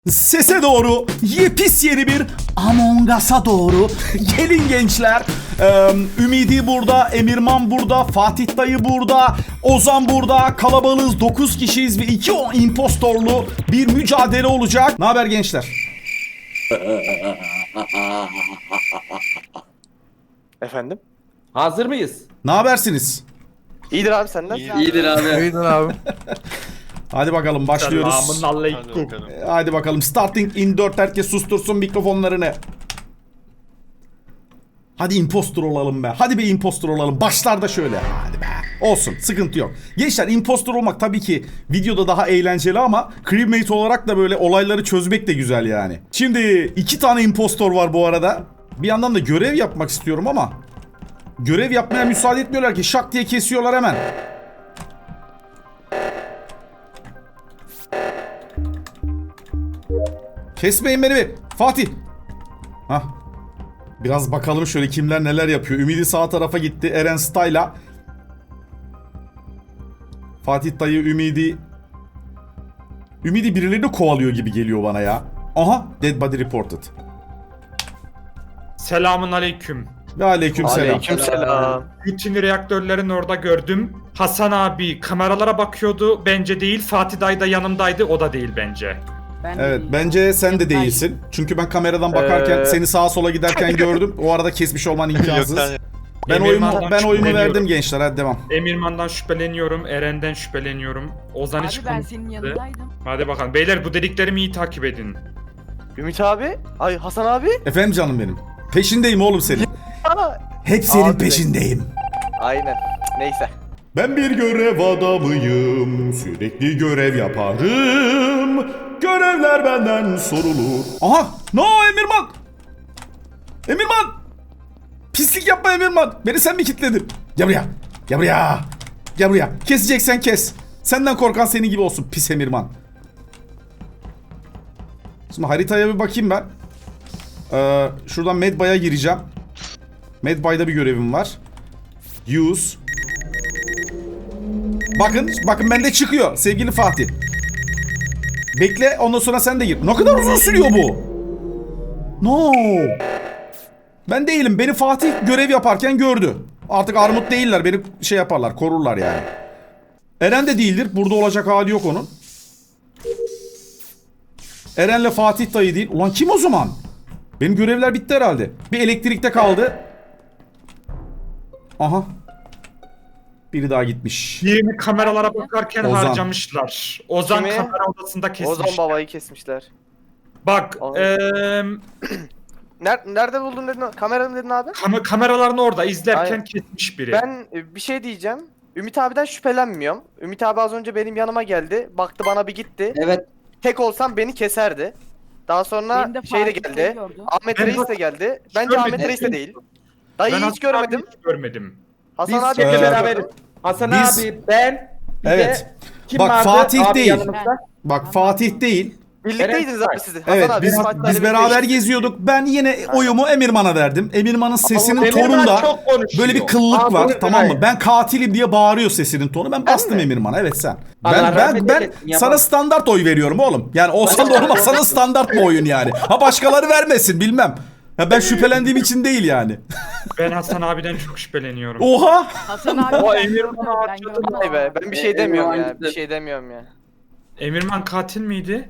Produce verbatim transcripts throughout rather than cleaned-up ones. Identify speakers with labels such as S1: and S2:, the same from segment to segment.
S1: Sese doğru, yepis yeni bir Among Us'a doğru. Gelin gençler. Ee, Ümidi burada, Emirman burada, Fatih dayı burada, Ozan burada. Kalabalığız, dokuz kişiyiz ve iki o impostorlu bir mücadele olacak. Ne haber gençler?
S2: Efendim?
S3: Hazır mıyız?
S1: Ne habersiniz?
S2: İyidir abi senden.
S3: İyidir abi.
S4: İyiydin abi.
S1: Hadi bakalım başlıyoruz.
S3: Selamun aleyküm.
S1: Hadi bakalım. Starting in dört, herkes sustursun mikrofonlarını. Hadi impostor olalım be. Hadi bir impostor olalım. Başlarda şöyle. Hadi be. Olsun. Sıkıntı yok. Gençler impostor olmak tabii ki videoda daha eğlenceli ama crewmate olarak da böyle olayları çözmek de güzel yani. Şimdi iki tane impostor var bu arada. Bir yandan da görev yapmak istiyorum ama görev yapmaya müsaade etmiyorlar ki. Şak diye kesiyorlar hemen. Kesmeyin beni bir. Fatih. Hah. Biraz bakalım şöyle kimler neler yapıyor. Ümidi sağ tarafa gitti. Eren Style'a. Fatih dayı Ümidi. Ümidi birilerini kovalıyor gibi geliyor bana ya. Aha. Dead body reported.
S5: Selamun aleyküm.
S1: Ve aleyküm selam.
S2: Aleykümselam.
S5: Rutin reaktörlerin orada gördüm. Hasan abi kameralara bakıyordu. Bence değil. Fatih dayı da yanımdaydı. O da değil bence.
S6: Ben de
S1: Evet
S6: değilim.
S1: bence sen de değilsin. Çünkü ben kameradan bakarken
S2: Ee,
S1: seni sağa sola giderken gördüm. O arada kesmiş olman imkansız. Ben oyumu
S5: Emirman'dan
S1: ben oyumu
S5: şüpheleniyorum.
S1: verdim gençler. Hadi devam.
S5: Emirman'dan şüpheleniyorum. Eren'den şüpheleniyorum. Ozan hiç
S6: Abi ben
S5: konuşmadı.
S6: senin yanındaydım.
S5: Hadi bakalım. Beyler bu dediklerimi iyi takip edin.
S2: Ümit abi. Ay Hasan abi.
S1: Efendim canım benim. Peşindeyim oğlum senin.
S2: Aa,
S1: Hep senin
S2: Abi.
S1: peşindeyim.
S2: aynen. Neyse.
S1: Ben bir görev adamıyım. Sürekli görev yaparım. Görevler benden sorulur. Aha! No Emirman! Emirman! Pislik yapma Emirman. Beni sen mi kilitledin? Gel buraya. Gel buraya. Gel buraya. Keseceksen kes. Senden korkan senin gibi olsun pis Emirman. Şimdi haritaya bir bakayım ben. Ee, şuradan Medbay'a gireceğim. Medbay'da bir görevim var. Use. Bakın, bakın bende çıkıyor sevgili Fatih. Bekle, ondan sonra sen de gir. Ne kadar uzun sürüyor bu? No. Ben değilim. Beni Fatih görev yaparken gördü. Artık armut değiller. Beni şey yaparlar, korurlar yani. Eren de değildir. Burada olacak hali yok onun. Eren'le Fatih dayı değil. Ulan kim o zaman? Benim görevler bitti herhalde. Bir elektrikte kaldı. Aha. Biri daha gitmiş.
S5: Birini kameralara bakarken
S1: Ozan.
S5: harcamışlar. Ozan
S2: Kimi?
S5: kamera odasında kesmiş.
S2: Ozan babayı kesmişler.
S5: Bak,
S2: Ozan.
S5: eee
S2: Ner- nerede buldun dedin? Kamera mı dedin abi?
S5: kam- kameraların orada izlerken
S2: Aynen.
S5: kesmiş biri.
S2: Ben e, bir şey diyeceğim. Ümit abiden şüphelenmiyorum. Ümit abi az önce benim yanıma geldi. Baktı bana bir gitti.
S3: Evet.
S2: Tek olsam beni keserdi. Daha sonra
S6: Benim de
S2: şey de
S6: Fatih
S2: geldi.
S6: geliyordu.
S2: Ahmet
S5: Ben
S2: Reis
S5: bak-
S2: de geldi. Bence
S5: görmedim.
S2: Ahmet Reis de değil. Dayıyı
S5: Ben
S2: hiç
S5: Hasan abi
S2: görmedim.
S5: hiç görmedim.
S2: Hasan
S3: Biz
S2: abi
S3: seninle
S1: Ee,
S3: beraberiz. Hasan
S1: biz-
S3: abi, ben, bir
S1: Evet.
S3: de kim
S1: Bak,
S3: vardı?
S1: Fatih
S3: Abi
S1: değil.
S3: yanımızda.
S1: Bak Fatih değil.
S2: Birlikteydiniz abi siz. Hasan
S1: Evet
S2: abi,
S1: biz,
S2: Fatih
S1: biz
S2: abiyle
S1: beraber
S2: birlikteyiz.
S1: geziyorduk. Ben yine oyumu Emirman'a verdim. Emirman'ın sesinin
S3: Emirman
S1: tonunda
S3: çok konuşuyor.
S1: böyle bir kıllık
S3: Abi,
S1: var,
S3: bunu
S1: tamam mı?
S3: dinleyin.
S1: Ben katilim diye bağırıyor sesinin tonu. Ben bastım
S2: mi?
S1: Emirman'a. Evet sen.
S3: Allah
S1: Ben ben
S3: rahmet
S1: ben
S3: eylesin, yapamam.
S1: sana standart oy veriyorum oğlum. Yani olsa da olmasa da standart bir oyun yani. Ha başkaları vermesin bilmem. Ha ben şüphelendiğim için değil yani.
S5: Ben Hasan abiden çok şüpheleniyorum.
S1: Oha!
S6: Hasan abi.
S5: O
S6: ben
S5: Emirman'ı
S6: gördüm, ben
S5: harcadı.
S6: gördüm.
S2: Vay be, ben bir şey
S3: Ee,
S2: demiyorum ya.
S3: Emirman
S2: Bir şey demiyorum ya.
S5: Emirman katil miydi?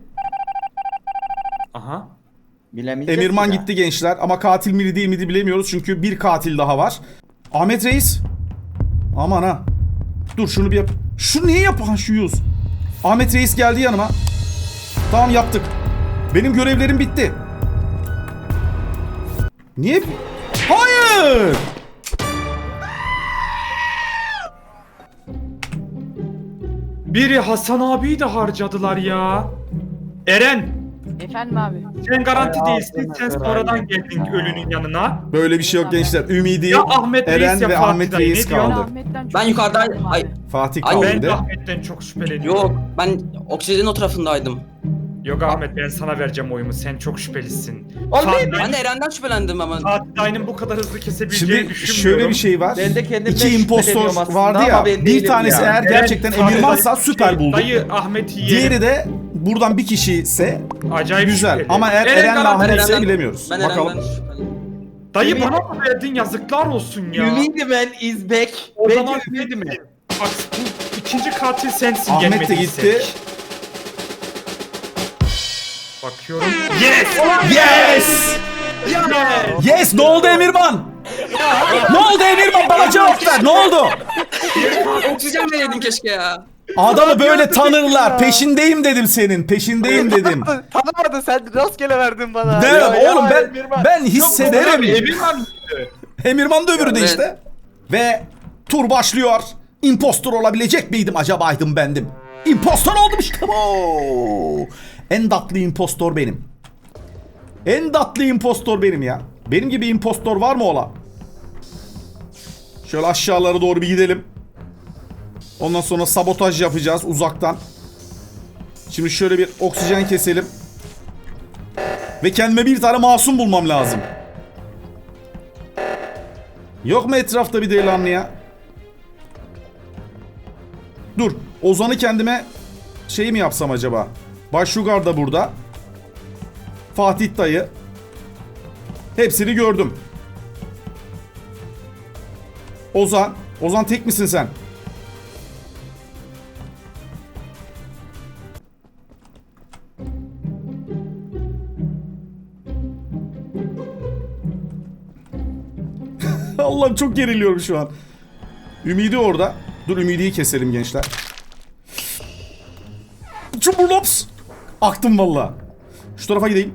S5: Aha.
S3: Bilemeyeceğiz
S1: Emirman
S3: ya.
S1: gitti gençler ama katil miydi değil miydi bilemiyoruz çünkü bir katil daha var. Ahmet Reis. Aman ha. Dur şunu bir yap. Şu niye yapan şu yüz? Ahmet Reis geldi yanıma. Tamam yaptık. Benim görevlerim bitti. Niye? Hayır!
S5: Biri Hasan abiyi de harcadılar ya. Eren,
S6: Efendim abi.
S5: sen garanti
S3: Ay,
S5: değilsin.
S3: ağzına
S5: Sen
S3: kadar
S5: sonradan geldin ölünün yanına.
S1: Böyle bir şey yok gençler. Ümidi,
S5: Ya Ahmet Reis
S1: Eren
S5: ya
S1: ve
S5: Fatih
S1: Ahmet
S5: dayı,
S1: Reis
S5: ne diyorsun?
S6: Ben
S1: kaldı.
S6: Ahmet'ten çok
S7: Ben yukarıdan-
S6: korkuyorum abi.
S7: Ay.
S1: Fatih
S7: Ay,
S1: kaldı
S5: Ben
S1: bir
S5: de
S1: de.
S5: Ahmet'ten çok şüpheleniyorum.
S7: Yok ben oksijenin o tarafındaydım.
S5: Yok Ahmet ben sana vereceğim oyumu. Sen çok şüphelisin.
S3: Oğlum
S5: Fatih,
S3: ben-
S4: Ben de Eren'den şüphelendim ama.
S5: Fatih Dayı'nın bu kadar hızlı kesebileceğini
S1: Şimdi
S5: düşünmüyorum.
S1: şöyle bir şey var.
S3: Ben de kendimden
S1: İki impostor
S3: şüpheleniyorum aslında
S1: vardı ya.
S3: ama ben
S1: Bir
S3: değilim
S1: tanesi
S3: ya.
S1: eğer gerçekten
S5: Fatih
S1: Emirman'sa
S5: Dayı-
S1: süper
S5: şey,
S1: bulduk.
S5: Dayı Ahmet'i yiyelim.
S1: Diğeri de buradan bir kişi ise
S5: Acayip
S1: güzel.
S5: şüpheli.
S1: Ama eğer
S5: Eren
S1: Eren'le
S5: Galan-
S1: Ahmet ise
S4: Eren'den-
S1: bilemiyoruz.
S4: Ben
S1: Bakalım.
S4: Eren'den şüphelendim.
S5: Dayı
S3: Ümit-
S5: bana mı verdin yazıklar olsun ya.
S3: Ümidimen is back.
S5: O
S3: Bence
S5: zaman
S3: Ümidimen.
S5: Bak bu ikinci katil sensin
S1: Ahmet de
S5: gelmediysek.
S1: gitti.
S5: Bakıyorum. Yes!
S1: Yes!
S5: Yes!
S1: Yes! Ne oldu Emirman? Ne oldu Emirman? Bana cevap ver. Ne oldu?
S4: Oksijen vereydin keşke ya.
S1: Adamı böyle tanırlar. Peşindeyim dedim senin. Peşindeyim dedim.
S2: Tanımadın sen rastgele verdin bana.
S1: Derim
S2: Ya, ya,
S1: oğlum ben
S2: Emirman.
S1: ben hissederim.
S5: Emirman
S1: Emirman da öbürü de
S4: Evet.
S1: işte. Ve tur başlıyor. Impostor olabilecek miydim acaba?ydım bendim. Impostor oldum işte bu. En tatlı impostor benim. En tatlı impostor benim ya. Benim gibi impostor var mı ola? Şöyle aşağılara doğru bir gidelim. Ondan sonra sabotaj yapacağız uzaktan. Şimdi şöyle bir oksijen keselim. Ve kendime bir tane masum bulmam lazım. Yok mu etrafta bir delikanlı ya? Dur. Ozan'ı kendime şey mi yapsam acaba? Başugar da burada. Fatih dayı. Hepsini gördüm. Ozan. Ozan tek misin sen? Allah'ım çok geriliyorum şu an. Ümidi orada. Dur Ümidi'yi keselim gençler. Cumburlops. Aktım valla. Şu tarafa gideyim.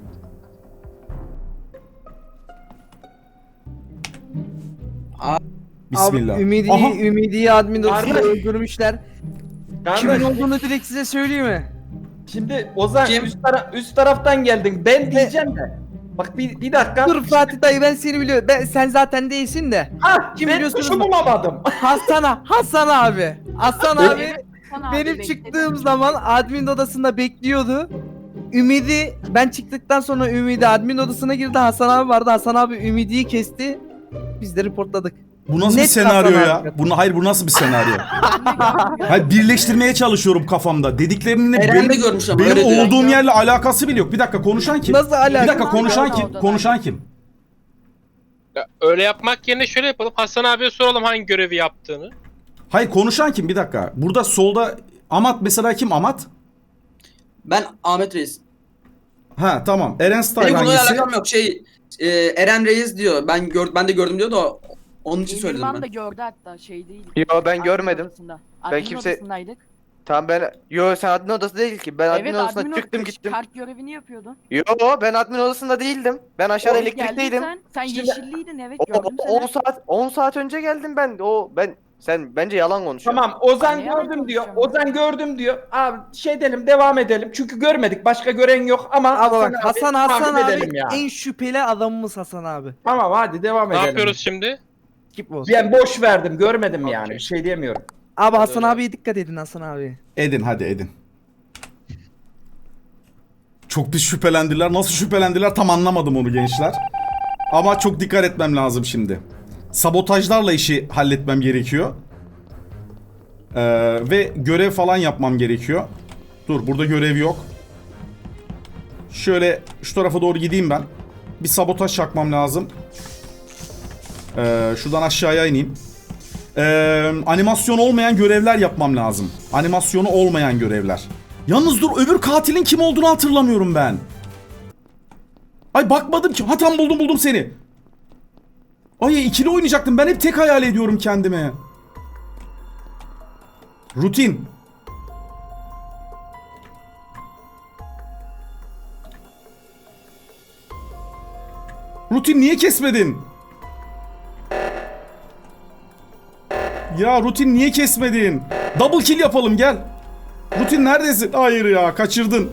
S1: Bismillah.
S6: Abi Ümidi,
S1: Aha.
S6: Ümidi'yi admin odasında
S3: Kardeş.
S6: öldürmüşler. Kimin
S3: Kardeş,
S6: olduğunu direkt size söyleyeyim mi?
S3: şimdi Ozan
S4: Kim?
S3: üst, tara- üst taraftan geldin. Ben diyeceğim de. Bak bir, bir dakika.
S6: Dur Fatih dayı ben seni biliyorum. Ben, sen zaten değilsin de.
S3: Ah,
S6: Kim
S3: ben
S6: biliyorsunuz
S3: kuşu
S6: mu?
S3: bulamadım.
S6: Hasan, Hasan abi. Hasan
S3: Evet.
S6: abi benim çıktığım zaman admin odasında bekliyordu. Ümidi ben çıktıktan sonra Ümidi admin odasına girdi. Hasan abi vardı. Hasan abi Ümidi'yi kesti. Biz de reportladık.
S1: Bu nasıl bir
S6: Net
S1: senaryo
S6: Hasan
S1: ya?
S6: abi.
S1: Bu, hayır bu nasıl bir senaryo? Hayır birleştirmeye çalışıyorum kafamda. Dediklerinin
S4: Eren
S1: benim,
S4: de görmüş ama
S1: benim
S4: öyle diyor.
S1: olduğum yerle alakası bile yok. Bir dakika konuşan kim?
S6: Nasıl alaka?
S1: Bir dakika konuşan
S7: Orada,
S1: kim?
S7: orada.
S1: Konuşan kim?
S7: Ya öyle yapmak yerine şöyle yapalım. Hasan abiye soralım hangi görevi yaptığını.
S1: Hayır konuşan kim? Bir dakika. Burada solda Amat mesela kim Amat?
S4: Ben Ahmet Reis.
S1: Ha tamam. Eren Style
S4: Benim bununla
S1: hangisi?
S4: alakam yok. Şey e, Eren Reis diyor. Ben gör, ben de gördüm diyor da onun için söyledim
S8: Emirman
S4: ben.
S8: da gördü hatta şey değil.
S2: Yo ben
S8: Admin
S2: görmedim.
S8: odasında.
S2: Ben
S8: Admin
S2: kimse-
S8: odasındaydık.
S2: Tamam ben... Yo sen admin odası değil ki. Ben admin
S8: Evet
S2: odasına
S8: admin
S2: çıktım
S8: odası
S2: gittim.
S8: kart görevini yapıyordun.
S2: Yo ben admin odasında değildim. Ben aşağıda
S8: Evet,
S2: elektrikteydim.
S8: geldin Sen, sen
S2: Şimdi-
S8: yeşilliydin evet
S2: O-
S8: gördüm
S2: o- on
S8: seni.
S2: saat on saat önce geldim ben. O ben sen bence yalan konuşuyorsun.
S3: Tamam Ozan
S8: Ay, yalan
S3: gördüm diyor.
S8: konuşuyorum.
S3: Ozan gördüm diyor. Abi şey edelim devam edelim. Çünkü görmedik. Başka gören yok ama
S6: Abi bak Hasan Hasan
S3: takip
S6: abi
S3: edelim ya.
S6: en şüpheli adamımız Hasan abi.
S3: Tamam hadi devam
S7: Ne
S3: edelim.
S7: yapıyoruz şimdi?
S6: Skip olsun.
S3: Ben boş verdim. Görmedim yani.
S7: Okey.
S3: Bir şey diyemiyorum.
S6: Abi Hasan
S7: Öyle.
S6: abiye dikkat edin Hasan abi.
S1: Edin hadi edin. Çok bir şüphelendiler. Nasıl şüphelendiler tam anlamadım onu gençler. Ama çok dikkat etmem lazım şimdi. Sabotajlarla işi halletmem gerekiyor. Ee, ve görev falan yapmam gerekiyor. Dur burada görev yok. Şöyle şu tarafa doğru gideyim ben. Bir sabotaj çakmam lazım. Ee, şuradan aşağıya ineyim. Ee, animasyon olmayan görevler yapmam lazım. Animasyonu olmayan görevler. Yalnız dur öbür katilin kim olduğunu hatırlamıyorum ben. Ay bakmadım ki. Ha tam buldum buldum seni. Ay ikili oynayacaktım. Ben hep tek hayal ediyorum kendime. Rutin. Rutin niye kesmedin? Ya Rutin niye kesmedin? Double kill yapalım gel. Rutin neredesin? Hayır ya kaçırdın.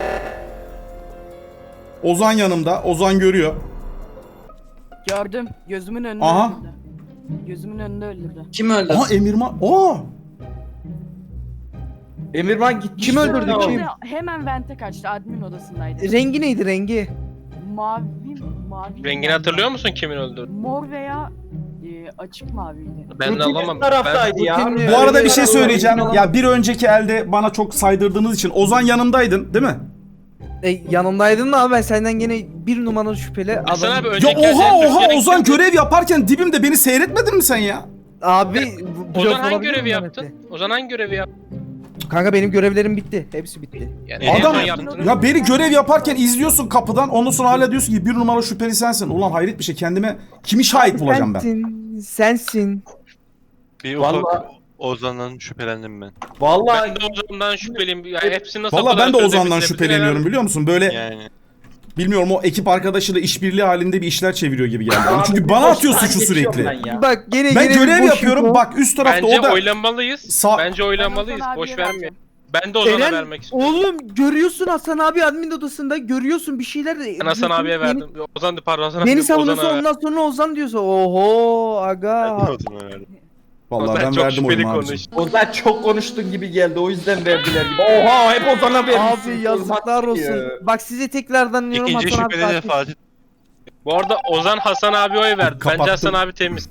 S1: Ozan yanımda. Ozan görüyor.
S8: Gördüm gözümün önünde
S1: Aha.
S8: öldürdü. Gözümün önünde öldürdü.
S4: Kim öldü?
S1: Aa Emirman. Aa.
S3: Emirman gitti.
S6: Kim öldürdü,
S3: Ne oldu?
S6: kim?
S8: Hemen vente kaçtı. Admin odasındaydı.
S6: Rengi neydi rengi?
S8: Mavi, mavi.
S7: Rengini hatırlıyor musun kimin öldürdüğünü?
S8: Mor veya e, açık maviydi.
S7: Ben de
S3: Rutin
S7: alamam.
S3: taraftaydı ya.
S6: Rutin-
S1: Bu arada bir şey
S3: Öyle-
S1: söyleyeceğim.
S3: Öyle-
S1: Ya bir önceki elde bana çok saydırdığınız için Ozan yanımdaydın değil mi?
S6: E, yanımdaydın da abi ben senden gene bir numaralı şüpheli
S7: Hasan
S6: adam.
S7: abi
S1: Ya
S7: önceki
S1: oha
S7: elde
S1: oha
S7: Türkiye'nin
S1: Ozan
S7: kimdi?
S1: görev yaparken dibimde beni seyretmedin mi sen ya?
S6: Abi
S7: Ozan
S6: blöf
S7: hangi
S6: olabilir
S7: görevi
S6: mi
S7: yaptın?
S6: Mehmet'le?
S7: Ozan hangi görevi yaptı?
S6: Kanka benim görevlerim bitti. Hepsi bitti.
S7: Yani
S1: Adam
S7: en son yaptığını-
S1: ya beni görev yaparken izliyorsun kapıdan ondan sonra hala diyorsun ki bir numara şüpheli sensin. Ulan hayret bir şey kendime kimi şahit bulacağım ben?
S6: Sensin. Sensin.
S9: Bir ufak
S3: Vallahi-
S9: Ozan'dan şüphelendim ben.
S3: Vallahi
S7: Ben de Ozan'dan şüpheliyim. Yani hepsini nasıl
S1: Valla
S7: o kadar
S1: ben de Ozan'dan
S7: çözebildim?
S1: şüpheleniyorum biliyor musun? Böyle
S9: Yani
S1: bilmiyorum o ekip arkadaşıyla işbirliği halinde bir işler çeviriyor gibi geldi. bana.
S3: Abi
S1: Çünkü
S3: bir
S1: bana
S3: boş
S1: atıyor
S3: ben
S1: suçu
S3: geçiyorum
S1: sürekli.
S3: ben ya.
S6: Bak gene
S1: Ben
S6: gene bir
S1: görev
S6: boş
S1: yapıyorum.
S6: info.
S1: Bak üst tarafta
S7: Bence
S1: o da
S7: oylamalıyız.
S1: Sağ-
S7: Bence oylamalıyız.
S8: Ben Ozan
S7: Boş
S8: abiye
S7: vermeyin.
S8: vereceğim.
S7: Ben de Ozan'a
S6: Eren,
S7: vermek istiyorum.
S6: oğlum görüyorsun Hasan abi admin odasında görüyorsun bir şeyler de.
S7: Ben Hasan
S6: diyorsun,
S7: abiye
S6: beni-
S7: verdim. Ozan pardon Hasan
S6: Beni
S7: abi.
S6: savunuyorsun
S7: Ozan'a ver.
S6: ondan sonra Ozan diyorsun. Oho aga.
S9: ben de Ozan'a verdim.
S1: Vallahi
S7: Ozan
S1: ben
S7: çok
S1: verdim
S7: şüpheli
S1: oyumu abicim.
S7: konuştu.
S3: Ozan çok konuştun gibi geldi o yüzden verdiler gibi. Oha hep Ozan'a vermişsin.
S6: Abi yazıklar olsun. Bak size tekrardan diyorum
S9: İkinci
S6: Hasan abi.
S9: şüpheli de
S6: katil.
S9: Fatih.
S7: Bu arada Ozan Hasan abi oy verdi.
S1: Kapattım.
S7: Bence Hasan abi temiz.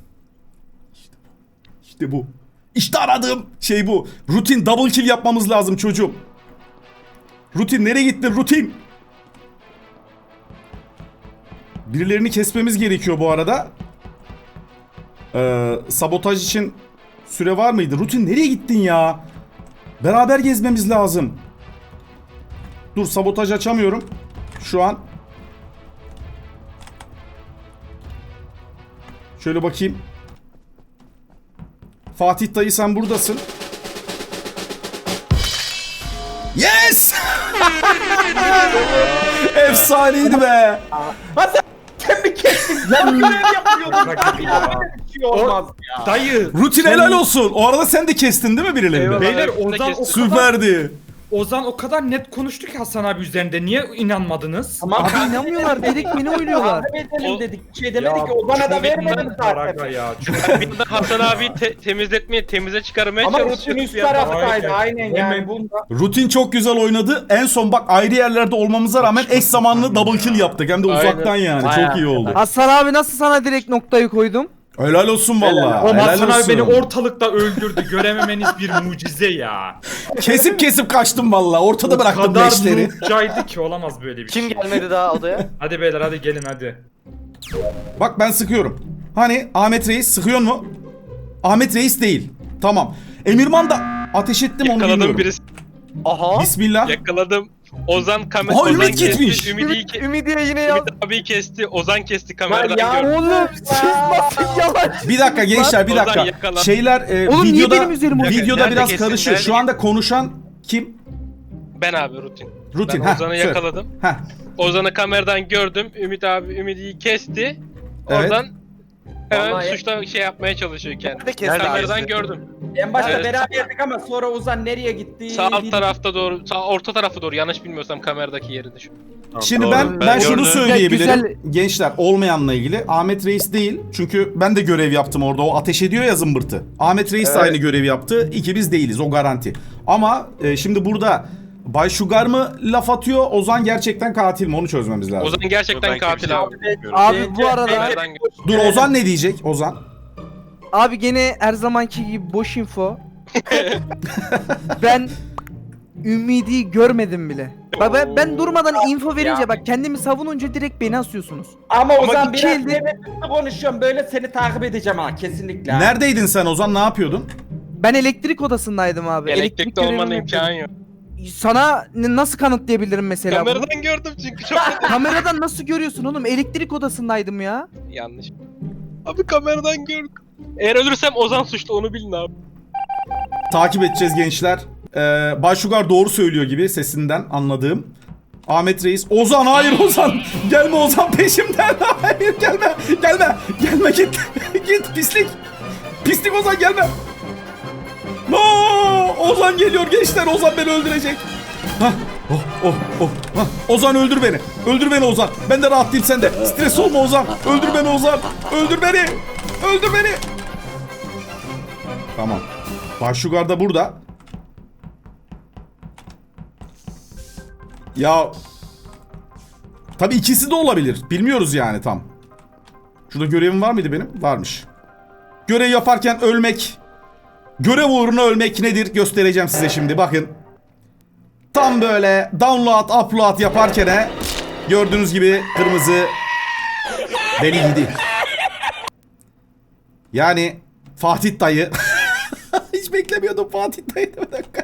S1: İşte bu. İşte aradığım şey bu. Rutin double kill yapmamız lazım çocuğum. Rutin nereye gittin rutin? Birilerini kesmemiz gerekiyor bu arada. Ee, sabotaj için süre var mıydı? Rutin nereye gittin ya? Beraber gezmemiz lazım. Dur sabotaj açamıyorum. Şu an. Şöyle bakayım. Fatih dayı sen buradasın. Yes! Efsaneydi be.
S3: Sen mi kestin? Sen görev yapıyordun.
S5: Bak
S3: Abi
S5: ya.
S3: ya. Bir şey olmaz ya.
S5: Dayı.
S1: Rutin
S5: sen-
S1: helal olsun. O arada sen de kestin değil mi birilerini?
S7: Eyvallah.
S5: Beyler
S7: Hepsini
S5: Ozan o
S7: kestim.
S5: kadar,
S1: Süperdi.
S5: Ozan o kadar net konuştu ki Hasan abi üzerinde. Niye inanmadınız?
S3: Tamam.
S6: Abi inanmıyorlar direkt beni oynuyorlar.
S3: Takip edelim
S7: O-
S3: dedik. Bir şey demedik ki Ozan'a da vermedim
S5: Araga
S3: zaten.
S5: ya.
S7: Bir de Hasan abi te- temizletmeye, temize çıkarmaya
S3: Ama
S7: çalışıyoruz.
S3: rutin üst
S7: bir yandan.
S3: taraftaydı aynen
S5: Hemen-
S3: yani bunda.
S1: Rutin çok güzel oynadı. En son bak ayrı yerlerde olmamıza rağmen eş zamanlı double kill yaptık. Hem de
S7: Aynen.
S1: uzaktan yani.
S3: Aynen.
S1: Çok iyi oldu.
S6: Hasan abi nasıl sana direkt noktayı koydum?
S1: Helal olsun valla.
S5: O
S1: Helal
S5: Hasan abi
S1: olsun.
S5: beni ortalıkta öldürdü. Görememeniz bir mucize ya.
S1: Kesip kesip kaçtım valla. Ortada
S5: O
S1: bıraktım
S5: kadar
S1: leşleri.
S5: noobcaydı ki olamaz böyle bir
S2: Kim
S5: şey.
S2: gelmedi daha odaya?
S5: Hadi beyler hadi gelin hadi.
S1: Bak ben sıkıyorum. Hani Ahmet Reis sıkıyor mu? Ahmet Reis değil. Tamam. Emirman da ateş ettim onu
S7: Yakaladım
S1: bilmiyorum.
S7: birisi.
S2: Aha.
S1: Bismillah.
S7: Yakaladım. Ozan kamera.
S1: Aha,
S7: Ozan
S1: Ümit
S7: kesti,
S1: gitmiş.
S7: Ümit'i
S2: Ümit,
S7: ke-
S2: Ümidiye yine yaz.
S7: Ümit abi kesti. Ozan kesti
S3: Lan
S7: kameradan
S3: ya
S7: gördüm.
S6: Oğlum siz nasıl yalan?
S1: Bir dakika gençler bir
S7: Ozan
S1: dakika.
S7: yakala.
S1: Şeyler e,
S6: Oğlum niye
S1: videoda
S6: benim üzerime oynuyorsun?
S1: videoda
S7: Nerede
S1: biraz
S7: kesin,
S1: karışıyor.
S7: nerede
S1: Şu anda konuşan kim?
S7: Ben abi rutin.
S1: Rutin.
S7: Ben
S1: Heh,
S7: Ozan'ı
S1: söyle.
S7: yakaladım.
S1: Heh.
S7: Ozan'ı kameradan gördüm. Ümit abi Ümit'i kesti.
S1: Evet.
S7: Oradan hemen
S3: Vallahi-
S7: suçla şey yapmaya çalışıyor kendini.
S2: Nerede kesti
S7: Kameradan
S2: abi?
S7: gördüm.
S3: En başta
S7: Evet.
S3: beraberdik ama sonra Ozan nereye gitti?
S7: Sağ alt tarafta doğru, sağ orta tarafa doğru yanlış bilmiyorsam kameradaki yerinde şu.
S9: Tamam,
S1: Şimdi
S9: doğru.
S1: ben ben, şunu
S9: gördüm.
S1: söyleyebilirim.
S6: Güzel-
S1: Gençler olmayanla ilgili Ahmet Reis değil. Çünkü ben de görev yaptım orada. O ateş ediyor ya zımbırtı. Ahmet Reis de
S2: Evet.
S1: aynı görevi yaptı. İkimiz değiliz o garanti. Ama e, şimdi burada Bay Sugar mı laf atıyor? Ozan gerçekten katil mi? Onu çözmemiz lazım.
S7: Ozan gerçekten
S9: Ben
S7: katil
S9: kimseyi
S7: abi.
S9: bilmiyorum.
S6: Abi bu arada
S7: Kameradan gördüm.
S1: Dur Ozan ne diyecek? Ozan.
S6: abi gene her zamanki gibi boş info. Ben Ümidi görmedim bile. Bak ben, ben durmadan info verince bak kendimi savununca direkt beni asıyorsunuz.
S3: Ama Ozan
S6: iki
S3: biraz
S6: elde-
S3: devletli konuşuyorum böyle seni takip edeceğim ha kesinlikle.
S1: Neredeydin sen Ozan? Ne yapıyordun?
S6: Ben elektrik odasındaydım abi.
S7: Elektrikte olmanın
S6: görevimi
S7: imkanı yok.
S6: yapıyordum. Sana n- nasıl kanıtlayabilirim mesela bunu?
S7: Kameradan gördüm çünkü çok
S6: Kameradan nasıl görüyorsun oğlum? Elektrik odasındaydım ya.
S7: yanlış. Abi kameradan gördüm. Eğer ölürsem Ozan suçlu onu bilin abi.
S1: Takip edeceğiz gençler. Ee, Bay Sugar doğru söylüyor gibi sesinden anladığım. Ahmet Reis. Ozan hayır Ozan. Gelme Ozan peşimden. Hayır gelme. Gelme. Gelme git. Git pislik. Pislik Ozan gelme. No! Ozan geliyor gençler. Ozan beni öldürecek. Hah. Oh oh oh. Hah. Ozan öldür beni. Öldür beni Ozan. Ben de rahat değil sen de. Stres olma Ozan. Öldür beni Ozan. Öldür beni. Öldür beni. Tamam. Bay Sugar da burada. Ya tabii ikisi de olabilir. Bilmiyoruz yani tam. Şurada görevim var mıydı benim? Varmış. Görev yaparken ölmek. Görev uğruna ölmek nedir? Göstereceğim size şimdi. Bakın. Tam böyle download, upload yaparken he, gördüğünüz gibi kırmızı beni yedi. Yani Fatih dayı. Hiç beklemiyordum Fatih dayı. Bir dakika.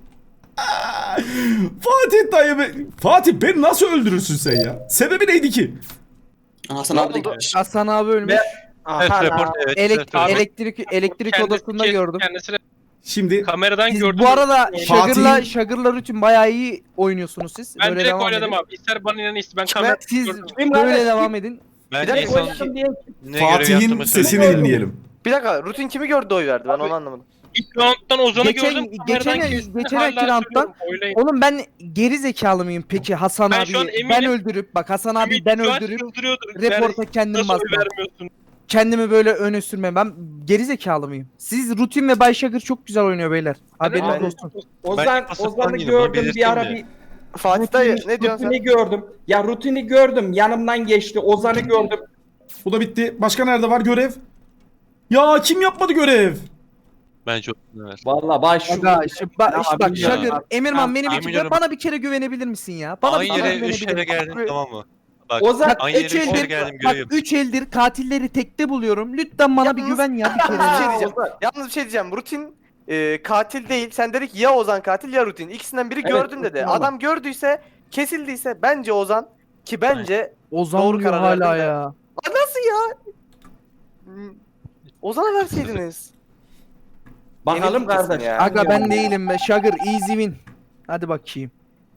S1: Fatih dayı be. Fatih beni nasıl öldürürsün sen ya? Sebebi neydi ki?
S4: Hasan
S2: Ne
S4: abi de
S2: oldu?
S4: gelmiş.
S6: Hasan abi ölmüş.
S9: Evet, report, evet.
S6: Elek-
S9: evet.
S6: elektrik elektrik
S7: Kendisi-
S6: odasında gördüm.
S7: Kendisini
S1: Şimdi
S7: kameradan
S6: Siz
S7: gördüm.
S6: bu arada
S1: Fatih'in-
S6: Şagır'la Şagır'la Rutin bayağı iyi oynuyorsunuz siz.
S7: ben
S6: Böyle
S7: direkt
S6: devam
S7: oynadım
S6: edin.
S7: abi. İster bana inan ister ben
S2: Kime?
S7: kameradan
S6: Siz
S7: gördüm.
S3: Kim
S6: böyle
S3: kardeş,
S6: devam
S3: kim?
S6: edin.
S9: Ben
S2: Bir
S9: en
S2: dakika,
S9: son
S3: Oynadım diye
S9: ne görev
S1: Fatih'in
S9: yaptığımı
S1: sesini
S9: söyleyeyim.
S1: dinleyelim.
S2: Bir dakika rutin kimi gördü oy verdi ben onu anlamadım.
S7: İlk round'dan Ozan'ı
S6: Geçen-
S7: gördüm.
S6: geçen-
S7: kameradan kestim,
S6: geçen
S7: hala
S6: iki round'dan-
S7: söylüyorum, oylayın.
S6: Oğlum ben geri zekalı mıyım peki Hasan
S7: Ben şu an
S6: abi
S7: eminim.
S6: ben öldürüp bak Hasan abi
S7: Ümit
S6: ben
S7: şu an
S6: öldürüp
S7: çıldırıyordur.
S6: reporta
S7: Yani
S6: kendim
S7: nasıl oy
S6: basmam.
S7: vermiyorsun?
S6: Kendimi böyle öne sürmem. Ben geri zekalı mıyım? Siz Rutin ve Bay Şagır çok güzel oynuyor beyler. Haberiniz
S2: Ben-
S6: olsun.
S3: Ozan,
S9: pasif
S3: Ozan'ı
S9: değilim, onu
S3: gördüm bir ara
S9: belirteyim
S3: bir
S2: Fatih dayı
S3: rutini,
S2: ne diyorsun
S3: rutini
S2: sen?
S3: gördüm. Ya rutini gördüm. Yanımdan geçti. Ozan'ı gördüm.
S1: Bu da bitti. Başka nerede var görev? Ya kim yapmadı görev?
S9: Bence evet.
S3: Vallahi baş şu.
S6: Aga, işte, ba- işte bak
S9: Ya.
S6: Şagır, Emirman beni bir
S9: Yemin
S6: kere
S9: ediyorum.
S6: bana bir kere güvenebilir misin ya? Bana
S9: Aynı
S6: bir kere
S9: yere üç
S6: güvenebilir
S9: kere
S6: misin?
S9: geldim
S2: Abi-
S9: tamam mı? Bak
S3: Ozan
S6: Bak
S9: aynı yere
S6: üç
S9: üç kere
S6: eldir,
S9: geldim
S6: bak
S9: görev.
S6: üç eldir katilleri tekte buluyorum. Lütfen bana bir
S2: Yalnız-
S6: güven ya bir kere.
S2: Bir şey
S6: ya.
S2: diyeceğim. Yalnız bir şey diyeceğim. Rutin e, katil değil. Sen dedik ya Ozan katil ya Rutin. İkisinden biri
S3: Evet,
S2: gördüm dedi.
S3: Rutin olan.
S2: Adam gördüyse kesildiyse bence Ozan ki bence
S6: Ozan
S2: Doğru
S6: diyor
S2: karar
S6: hala
S2: verdin de.
S6: ya.
S2: Aa, nasıl ya? Hmm, Ozan'a verseydiniz.
S3: bakalım
S2: Emin misin
S3: kardeş.
S2: ya?
S6: Aga ben değilim be Şagır easy win. Hadi bakayım.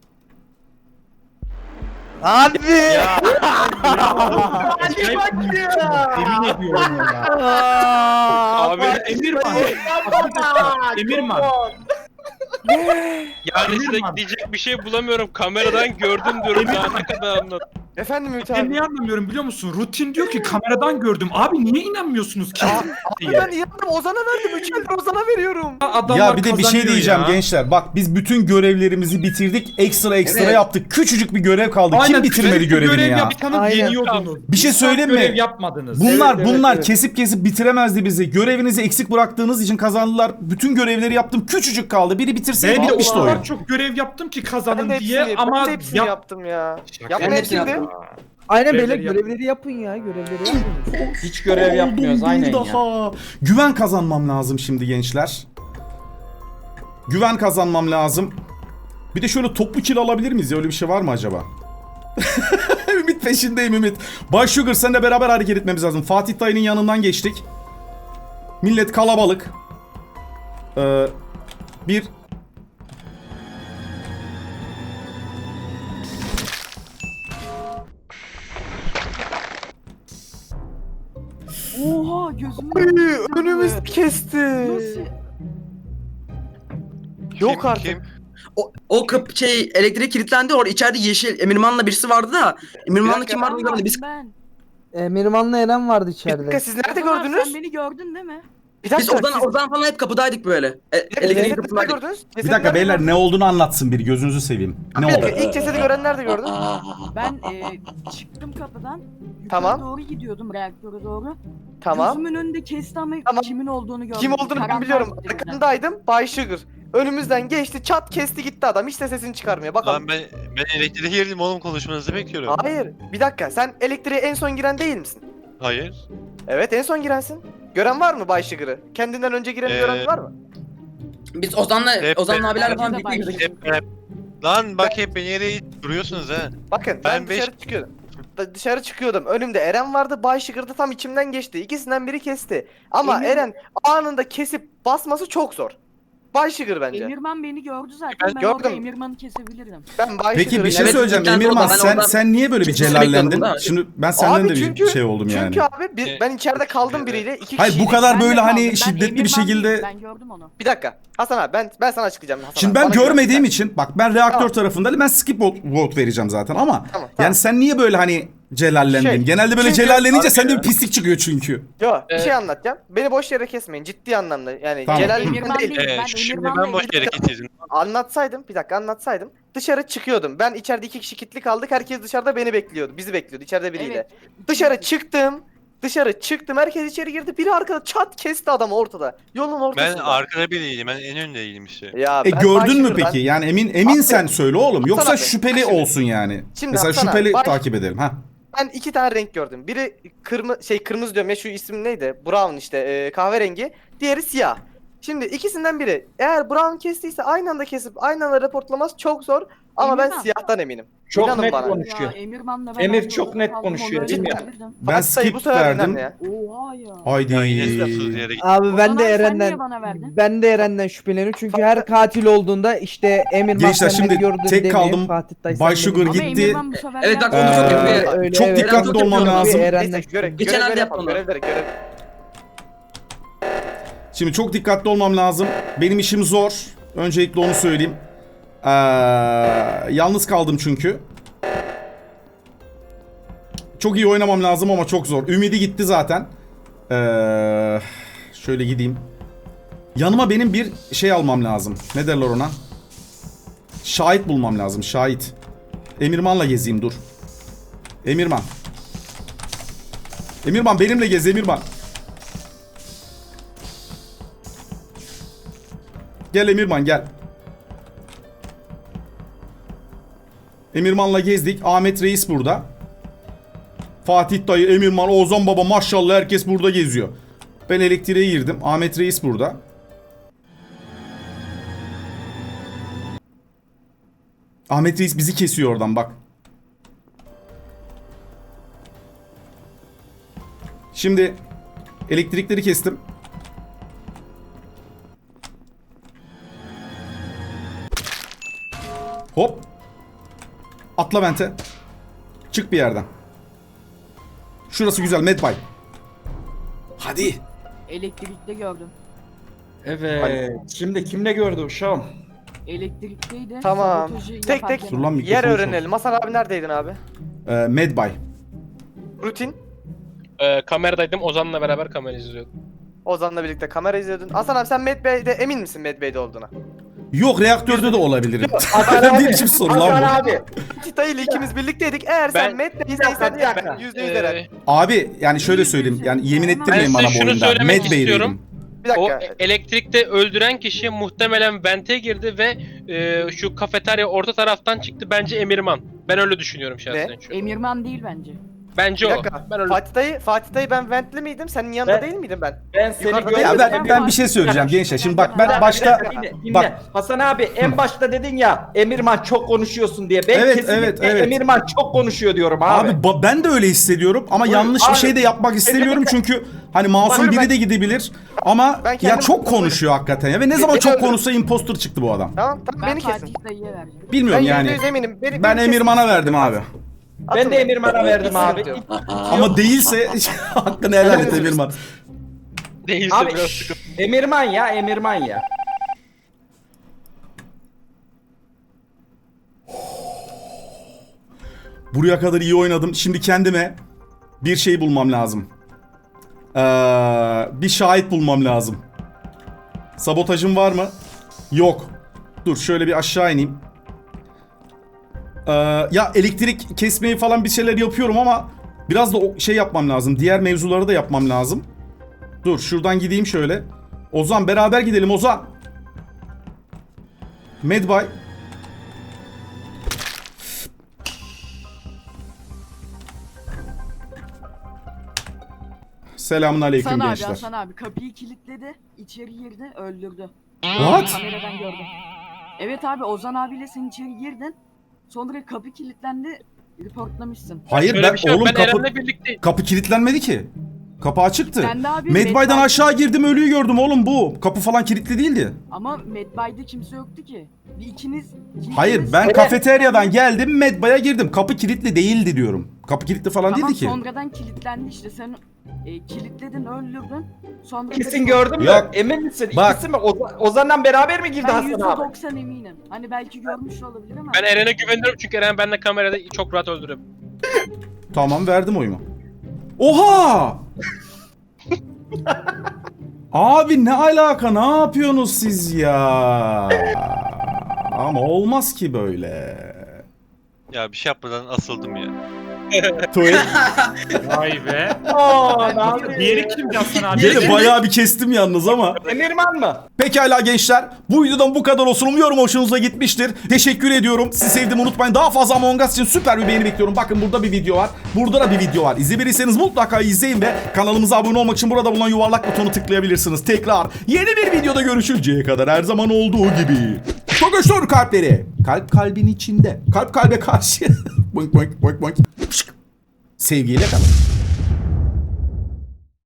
S6: Abi.
S5: Yemin ediyorum ya.
S7: Abi
S5: Emirman. Emirman.
S7: yani size
S5: Emirman.
S7: diyecek bir şey bulamıyorum. Kameradan gördüm diyorum daha ne kadar anlat.
S2: Efendim Ümit
S5: Ben
S2: abi.
S5: niye anlamıyorum biliyor musun? Rutin diyor ki kameradan gördüm. Abi niye inanmıyorsunuz ki?
S2: Abi ben yandım Ozan'a verdim. Üç eldir Ozan'a veriyorum.
S5: Adamlar
S1: Ya bir de bir şey
S5: kazanıyor
S1: diyeceğim
S5: ya.
S1: gençler. Bak biz bütün görevlerimizi bitirdik. Ekstra ekstra
S4: Evet.
S1: yaptık. Küçücük bir görev kaldı.
S5: Aynen,
S1: Kim bitirmedi
S5: küçük bir
S1: görevini
S5: görev
S1: ya?
S5: yapsanız
S6: Aynen.
S5: yeniyordunuz.
S1: Bir şey
S5: Hiç
S1: söyleyeyim mi?
S5: Görev yapmadınız.
S1: Bunlar
S3: Evet, evet,
S1: bunlar
S3: evet.
S1: kesip kesip bitiremezdi bizi. Görevinizi eksik bıraktığınız için kazandılar. Bütün görevleri yaptım. Küçücük kaldı. Biri bitirseydi
S5: Ben de o
S1: bitmişti oyun.
S5: kadar çok görev yaptım ki
S2: Ben
S5: kazanın
S2: de
S5: diye
S2: hepsini,
S5: ama
S2: ben de hepsini
S5: yap-
S2: yaptım ya.
S5: Şaka
S2: Yapma
S4: Ben
S2: hepsini.
S4: hepsini yaptım.
S6: Aynen
S5: Görevleri
S6: beyler
S5: yap-
S6: görevleri yapın ya. Görevleri yapın.
S3: Hiç görev
S1: Oldum
S3: yapmıyoruz
S1: bir
S3: aynen ya.
S1: daha. Güven kazanmam lazım şimdi gençler. Güven kazanmam lazım. Bir de şöyle toplu kill alabilir miyiz ya? Öyle bir şey var mı acaba? Ümit peşindeyim Ümit. Bay Sugar seninle beraber hareket etmemiz lazım. Fatih dayının yanından geçtik. Millet kalabalık. Ee, bir...
S8: Oha gözümü.
S2: Uy, önümüz kesti.
S8: Nasıl?
S2: Yok
S9: Kim,
S2: artık.
S9: kim?
S4: O, o kıp şey elektrik kilitlendi orada içeride yeşil Emirman'la birisi vardı da Emirman'la
S2: dakika,
S4: kim vardı görmedim. Biz
S8: Ben.
S6: Emirman'la Eren vardı
S2: Bir dakika
S6: içeride.
S2: siz nerede
S8: Ozan abi,
S2: gördünüz?
S8: Sen beni gördün değil mi?
S2: Bir
S4: biz
S2: dakika.
S4: oradan
S2: siz-
S4: oradan falan hep kapıdaydık böyle. E,
S2: Bir dakika,
S4: elektriğin
S2: cesedi nerede
S4: kapısındaydık.
S2: gördünüz?
S1: Bir
S2: Cesedi
S1: dakika
S2: nerede
S1: beyler
S2: gördünüz?
S1: ne olduğunu anlatsın biri gözünüzü seveyim. Ne
S2: Bir dakika,
S1: oldu?
S2: ilk cesedi gören nerede gördün?
S8: Ben e, çıktım kapıdan. Yukarı
S2: Tamam.
S8: doğru gidiyordum reaktöre doğru.
S2: Tamam.
S8: Gözümün önünde kesti ama
S2: Tamam.
S8: kimin olduğunu gördüm.
S2: Kim olduğunu ben
S8: Karanlığa
S2: biliyorum.
S8: gitti birden.
S2: Arkandaydım. Bay Sugar. Önümüzden geçti, çat kesti gitti adam. Hiç de sesini çıkarmıyor. Bakalım.
S9: Lan ben ben elektriğe girdim oğlum konuşmanızı bekliyorum.
S2: Hayır. Bir dakika. Sen elektriğe en son giren değil misin?
S9: Hayır.
S2: Evet, en son girensin. Gören var mı Bay Sugar'ı? Kendinden önce gireni
S9: Ee,
S2: gören var mı?
S4: Biz Ozan'la
S9: Hep-
S4: Ozan'la abilerle
S8: Bence
S4: falan
S8: de
S4: birlikte girdik.
S8: başladı.
S9: Hep, hep. Lan bak hep beni yere duruyorsunuz ha.
S2: Bakın ben,
S9: Ben beş-
S2: dışarı çıkıyordum. Da- Dışarı çıkıyordum. Önümde Eren vardı. Bay Sugar da tam içimden geçti. İkisinden biri kesti. Ama
S8: Emir-
S2: Eren anında kesip basması çok zor. Bay Sugar bence.
S8: Emirman beni gördü zaten.
S2: Ben
S8: Ben,
S2: gördüm.
S8: orada Emirman'ı kesebilirdim.
S2: Ben Bay
S1: Peki
S2: Sugar'ı-
S1: bir şey
S4: Evet,
S1: söyleyeceğim
S4: cidden
S1: Emirman
S4: doğru. Ben
S1: sen
S4: oradan-
S1: sen niye böyle bir
S4: Sürekli
S1: celallendin?
S4: bekliyordum da.
S1: Şimdi ben senden
S2: Abi
S1: de
S2: çünkü-
S1: bir şey oldum yani.
S2: Çünkü abi biz,
S9: E,
S2: ben içeride kaldım
S9: evet.
S2: biriyle. iki
S1: Hayır bu
S2: kişiydik.
S1: kadar
S8: Ben de
S1: böyle
S8: kaldım.
S1: hani
S8: Ben
S1: şiddetli bir
S8: Emirman
S1: şekilde...
S8: değil, Ben gördüm onu.
S2: Bir dakika. Hasan abi ben ben sana açıklayacağım Hasan
S1: Şimdi
S2: abi.
S1: ben
S2: Bana
S1: görmediğim
S2: güven.
S1: için bak ben reaktör
S2: Tamam.
S1: tarafındayım ben skip vote, vote vereceğim zaten ama
S2: Tamam, tamam.
S1: yani sen niye böyle hani celallendin.
S2: Şey,
S1: Genelde böyle
S2: çünkü-
S1: celallenince sende bir pislik çıkıyor çünkü.
S2: Yo bir
S7: Ee,
S2: şey anlatacağım. Beni boş yere kesmeyin ciddi anlamda. Yani
S1: Tamam.
S2: Celal
S8: Emirman
S2: değil.
S8: değil.
S9: Ee,
S8: Ben
S9: şimdi
S8: Emirman'la
S9: ben boş yere
S8: ilgili-
S9: getirdim.
S2: Anlatsaydım bir dakika anlatsaydım. Dışarı çıkıyordum. Ben içeride iki kişi kilitli kaldık. Herkes dışarıda beni bekliyordu. Bizi bekliyordu içeride biriyle.
S8: Evet.
S2: Dışarı çıktım. Dışarı çıktım. Herkes içeri girdi. Biri arkada çat kesti adamı ortada. Yolun
S9: Ben
S2: ortasında.
S9: arkada biriydim. Ben en öndeydim işte.
S2: Ya
S1: E
S2: ben
S1: gördün mü
S2: Başşehir'den-
S1: peki? Yani emin emin sen söyle oğlum. Yoksa
S2: abi,
S1: şüpheli
S2: şimdi-
S1: olsun yani.
S2: Şimdi
S1: Mesela
S2: Hasan abi,
S1: şüpheli
S2: baş-
S1: takip edelim ha.
S2: Ben iki tane renk gördüm. Biri kırmızı şey kırmızı diyorum ya şu isim neydi? Brown işte e, kahverengi. Diğeri siyah. Şimdi ikisinden biri eğer Brown kestiyse aynı anda kesip aynı anda raportlaması çok zor. Ama ben
S8: Emirman.
S2: siyahtan eminim.
S3: Çok
S2: İnanın
S3: net
S2: bana.
S3: konuşuyor.
S8: Ya Emirman'la ben
S3: Emir
S8: aynı
S3: çok
S8: odada
S3: net
S8: kaldım,
S3: konuşuyor,
S8: onu
S3: değil mi?
S8: öldürebilirdim.
S1: Ben
S2: Fatih, bu
S1: skip
S2: sefer
S1: verdim.
S2: inan ya.
S8: Oha ya.
S1: Haydi.
S9: Ya yine lafsız yere gittim.
S6: Abi ben
S8: Ozan
S6: de
S8: abi, sen niye
S6: Eren'den
S8: bana verdin?
S6: ben de Eren'den şüpheleniyorum çünkü her katil olduğunda işte Emirman
S1: Gençler,
S6: sen
S1: şimdi
S6: beni gördün
S1: tek
S6: demiyor,
S1: kaldım.
S6: Fatih Dayı sen
S1: Bay
S6: beni
S1: Sugar
S6: gördün.
S8: Ama
S1: gitti.
S8: Emirman bu sefer
S4: Evet,
S8: yaptı.
S4: bak, onu çok
S1: Ee,
S4: yapıyor.
S6: Öyle,
S1: çok
S6: evet.
S1: dikkatli
S4: Eren
S1: olmam
S4: yapıyor.
S1: lazım.
S6: Eren'den
S2: Neyse göre,
S6: şüpheleniyorum.
S4: Geçen
S2: görevleri
S4: elde
S2: yapalım.
S4: yaptı onu.
S2: Görevleri görev.
S1: Şimdi çok dikkatli olmam lazım. Benim işim zor. Öncelikle onu söyleyeyim. Ee, yalnız kaldım çünkü. Çok iyi oynamam lazım ama çok zor. Ümidi gitti zaten. Ee, şöyle gideyim. Yanıma benim bir şey almam lazım. Ne derler ona? Şahit bulmam lazım. Şahit. Emirman'la gezeyim dur. Emirman. Emirman benimle gez Emirman. Gel Emirman gel. Emirman'la gezdik. Ahmet Reis burada. Fatih Dayı, Emirman, Ozan Baba maşallah herkes burada geziyor. Ben elektriğe girdim. Ahmet Reis burada. Ahmet Reis bizi kesiyor oradan bak. Şimdi elektrikleri kestim. Hop. Atla vente. Çık bir yerden. Şurası güzel Medbay. Hadi.
S8: Elektrikte gördüm.
S3: Evet. Şimdi kimle gördü uşağım?
S8: Elektrikteydi.
S2: Tamam.
S8: sabotajı
S2: Tek tek
S8: yaparken-
S1: Dur lan, mikrofonu
S2: yer
S1: çok-
S2: öğrenelim. Hasan abi neredeydin abi?
S1: Ee, Medbay.
S2: Rutin.
S7: Ee, kameradaydım. Ozan'la beraber kamera izliyordum.
S2: Ozan'la birlikte kamera izliyordun. Hasan abi sen Medbay'de emin misin Medbay'de olduğuna?
S1: Yok reaktörde de olabilirim.
S2: Hasan
S1: Ne biçim soru lan
S3: Hasan
S1: bu?
S3: abi.
S2: Tita ile ikimiz birlikteydik. Eğer
S7: Ben-
S2: sen Medbay'de
S3: Bir dakika,
S2: isen
S3: bir dakika.
S2: ben yüzde yüz ederim.
S7: Ee,
S1: Abi yani şöyle söyleyeyim. Yani yemin ettirmeyin
S7: Ben
S1: bana
S7: size
S1: bu
S7: şunu
S1: oyunda.
S7: söylemek
S1: Medbay'deydim.
S7: istiyorum.
S2: Bir
S7: o
S2: dakika.
S7: e- elektrikte öldüren kişi muhtemelen vente girdi ve e, şu kafeterya orta taraftan çıktı. Bence Emirman. Ben öyle düşünüyorum şahsen şu an.
S8: Emirman değil bence.
S7: Bence
S2: Bir
S7: o.
S2: dakika.
S7: Ben öyle
S2: Fatih dayı, Fatih dayı ben ventli miydim? Senin yanında
S3: Ben-
S2: değil miydim ben?
S3: Ben seni
S2: Yukarıda-
S3: görmedim.
S1: Ya ben, ben bir şey söyleyeceğim gençler. Şimdi bak ben
S8: Bir
S1: başta
S3: Dinle, dinle.
S1: bak
S3: Hasan abi en başta dedin ya Emirman çok konuşuyorsun diye. Ben
S1: Evet,
S3: kesinlikle
S1: evet, evet.
S3: Emirman çok konuşuyor diyorum abi.
S1: abi ba- ben de öyle hissediyorum ama
S3: Buyur,
S1: yanlış bir
S3: abi.
S1: şey de yapmak istemiyorum çünkü hani masum
S2: Buyur,
S1: biri
S2: ben-
S1: de gidebilir ama
S2: Ben
S1: ya
S2: kendim-
S1: çok konuşuyor hakikaten ya ve ne zaman
S2: Beni
S1: çok
S2: öldür.
S1: konuşsa imposter çıktı bu adam.
S2: Tamam tamam
S8: Ben
S2: beni kesin.
S8: Fatih Dayı'ya vereceğim.
S2: Ben
S1: Bilmiyorum
S2: yüzde
S1: yani.
S2: yüz eminim. Beni,
S1: Ben
S2: beni
S1: Emirman'a
S2: kesin.
S1: verdim abi.
S3: Ben de
S2: Atın beni.
S3: Emirman'a verdim
S2: Hiç
S3: abi.
S2: sıkıntı yok.
S1: Ama değilse hakkını helal et Emirman.
S7: değilse
S3: Abi
S7: biraz
S3: şşş,
S7: sıkıntı.
S3: Emirman ya Emirman ya.
S1: Buraya kadar iyi oynadım. Şimdi kendime bir şey bulmam lazım. Ee, bir şahit bulmam lazım. Sabotajım var mı? Yok. Dur şöyle bir aşağı ineyim. Ee, ya elektrik kesmeyi falan bir şeyler yapıyorum ama biraz da o şey yapmam lazım. Diğer mevzuları da yapmam lazım. Dur şuradan gideyim şöyle. Ozan beraber gidelim Ozan. Medbay. Selamun aleyküm
S8: Hasan abi,
S1: gençler.
S8: Hasan abi kapıyı kilitledi, içeri girdi, öldürdü.
S1: What?
S8: Kameradan gördüm. Evet abi, Ozan abiyle sen içeri girdin. Sonra kapı kilitlendi, reportlamışsın.
S1: Hayır
S7: Şöyle
S1: ben
S7: bir şey yok.
S1: oğlum
S7: Ben
S1: kapı
S7: Eren'le birlikteyim.
S1: kapı kilitlenmedi ki. Kapı açıktı.
S8: Kendi abi
S1: Medbay'dan
S8: Medbay-
S1: aşağı girdim ölüyü gördüm oğlum bu. Kapı falan kilitli değildi.
S8: Ama Medbay'da kimse yoktu ki. Bir ikiniz... ikiniz-
S1: Hayır ben
S3: Evet.
S1: kafeteryadan geldim Medbay'a girdim. Kapı kilitli değildi diyorum. Kapı kilitli falan
S8: Tamam,
S1: değildi ki.
S8: sonradan kilitlendi işte, sen e, kilitledin, öldürdün. Sonra
S3: Kesin gördün mü?
S1: Yok.
S3: Emin misin?
S1: Bak.
S3: İkisi mi? Ozan, Ozan'dan beraber mi girdi
S8: Ben
S3: Hasan
S8: yüzde
S3: abi?
S8: doksan eminim. Hani belki görmüş olabilir ama.
S7: Ben Eren'e güveniyorum çünkü Eren benimle kamerada çok rahat öldürüyor.
S1: Tamam verdim oyumu. Oha! Abi ne alaka, ne yapıyorsunuz siz ya? Ama olmaz ki böyle.
S9: Ya bir şey yapmadan asıldım ya.
S1: Tuvalet.
S5: Vay be.
S3: Oo, ne yapıyorsun?
S5: Diğeri kimdi Hasan abi?
S1: Gene bayağı bir kestim yalnız ama.
S3: Emirman mı?
S1: Pekala gençler. Bu videodan bu kadar olsun. Umuyorum hoşunuza gitmiştir. Teşekkür ediyorum. Sizi sevdim, unutmayın. Daha fazla Among Us için süper bir beğeni bekliyorum. Bakın burada bir video var. Burada da bir video var. İzlemediyseniz mutlaka izleyin ve kanalımıza abone olmak için burada bulunan yuvarlak butonu tıklayabilirsiniz. Tekrar yeni bir videoda görüşünceye kadar her zaman olduğu gibi. Togoştor kalpleri. Kalp kalbin içinde. Kalp kalbe karşı. Boink boink boink boink. Sevgiyle kalın.